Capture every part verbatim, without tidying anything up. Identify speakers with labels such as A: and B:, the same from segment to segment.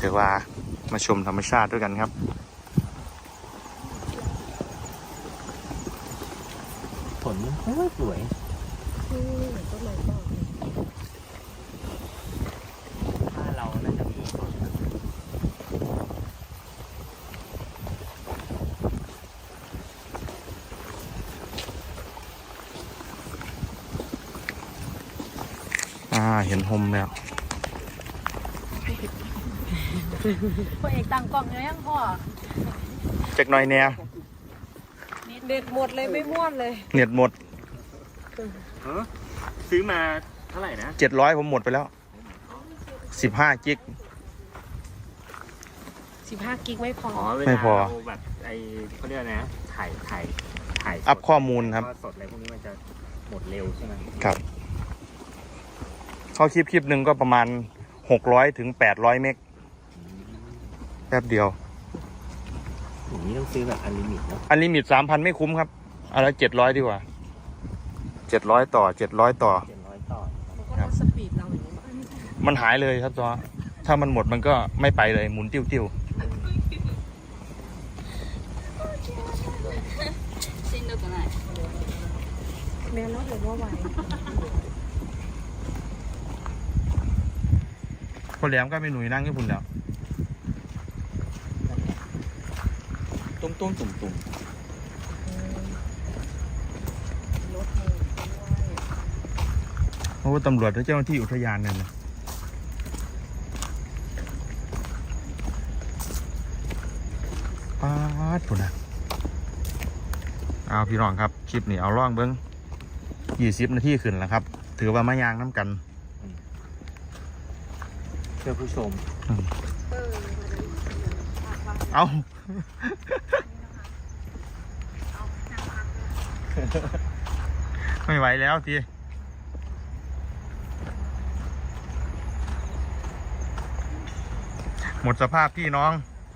A: ถือว่ามาชมธรรมชาติด้วยกันครับ
B: ผลมันสวยสวย
C: ต้นไม้ก่อน
B: ถ้าเราน่าจะมีผล
A: อ่าเห็นโฮมแล้ว
C: พ่อเอกตั้งกล้องเลยยังพ่อ
A: จักหน่อยแนว
C: เด็ดหมดเลยไม่ม้วนเลย
A: เน็ตหมด
B: ซื้อมาเท่าไหร่นะ
A: เจ็ดร้อยผมหมดไปแล้วสิบห้ากิก
C: สิบห้ากิกไม่พอ
A: ไม่พอ
B: แบบไอเขาเรียกนะถ่ายถ่ายถ่าย
A: อัพข้อมูลครับ
B: สดอะไรพวกนี้มันจะหมดเร็วใช่ไหม
A: ครับเข้าคลิปคลิปหนึ่งก็ประมาณหกร้อยถึงแปดร้อยเมกแป๊บเดียว
B: อย่างนี้ต้องซื้อแบบอันลิมิตเนาะ
A: อันลิมิตสามพันไม่คุ้มครับเอาละเจ็ดร้อยดีกว่าเจ็ดร้อยต่อเจ็ดร้อยต่อ
B: เจ็ดร้อยต่อ
C: มันก็ลดสปีดเราอย่างนี้
A: มันหายเลยครับจอถ้ามันหมดมันก็ไม่ไปเลยหมุนติ้วติ้ว
C: แม่รถหรือว่าไหว
A: คนแหลมก็ไม่หนุ่ยนั่งญี่ปุ่นแล้ว
B: ตุ้มตุ้มตุ่มตุ่ม
A: โอ้ตำรวจและเจ้าหน้าที่อุทยานเนี่ยนะป๊าดพุ่นนะเอาพี่น้องครับคลิปนี้เอาล่องเบิ้งยี่สิบนาทีขึ้นแล้วครับถือว่ามายางน้ำกัน
B: เพื่อผู้ชม
A: เอาไม่ไหวแล้วทีหมดสภาพพี่น้อง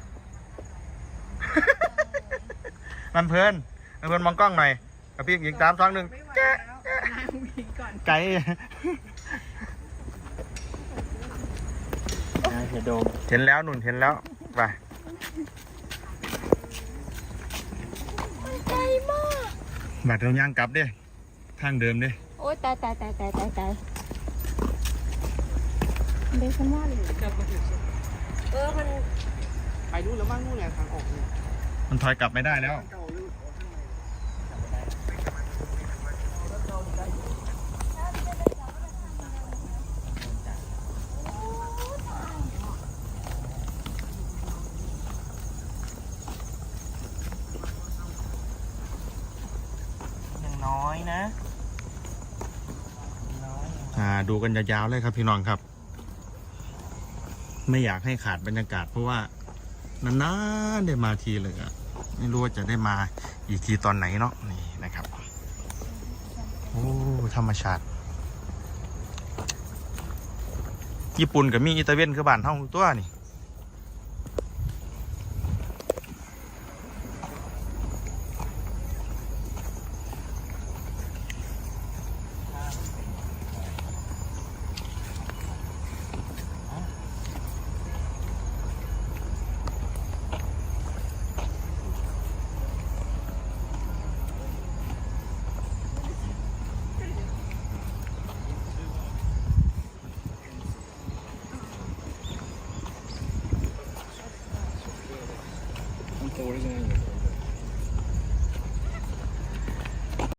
A: มันเพลินมันเพลินมองกล้องหน่อยกับพี่ยิงตามสองหนึ่งไกลเห็นแล้วหนุนเห็นแล้วไป
C: ไกลมาก
A: บัดเราย่างกลับดิทางเดิมดิ
C: โอ้ยตายตายตายตายตายตายเด็กคนว่าเลยเออมัน
B: ไปนู่นแล้วมั่งนู่นแหละทางออก
A: มันถอยกลับไม่ได้แล้ว
B: น้อยนะ
A: อ่าดูกันยาวๆเลยครับพี่น้องครับไม่อยากให้ขาดบรรยากาศเพราะว่านานๆได้มาทีเลยอะไม่รู้ว่าจะได้มาอีกทีตอนไหนเนาะนี่นะครับโอ้ธรรมชาติญี่ปุ่นกับมีอิตาเลียนคือบ้านเท่าตัวนี่
B: โตได้ยังไง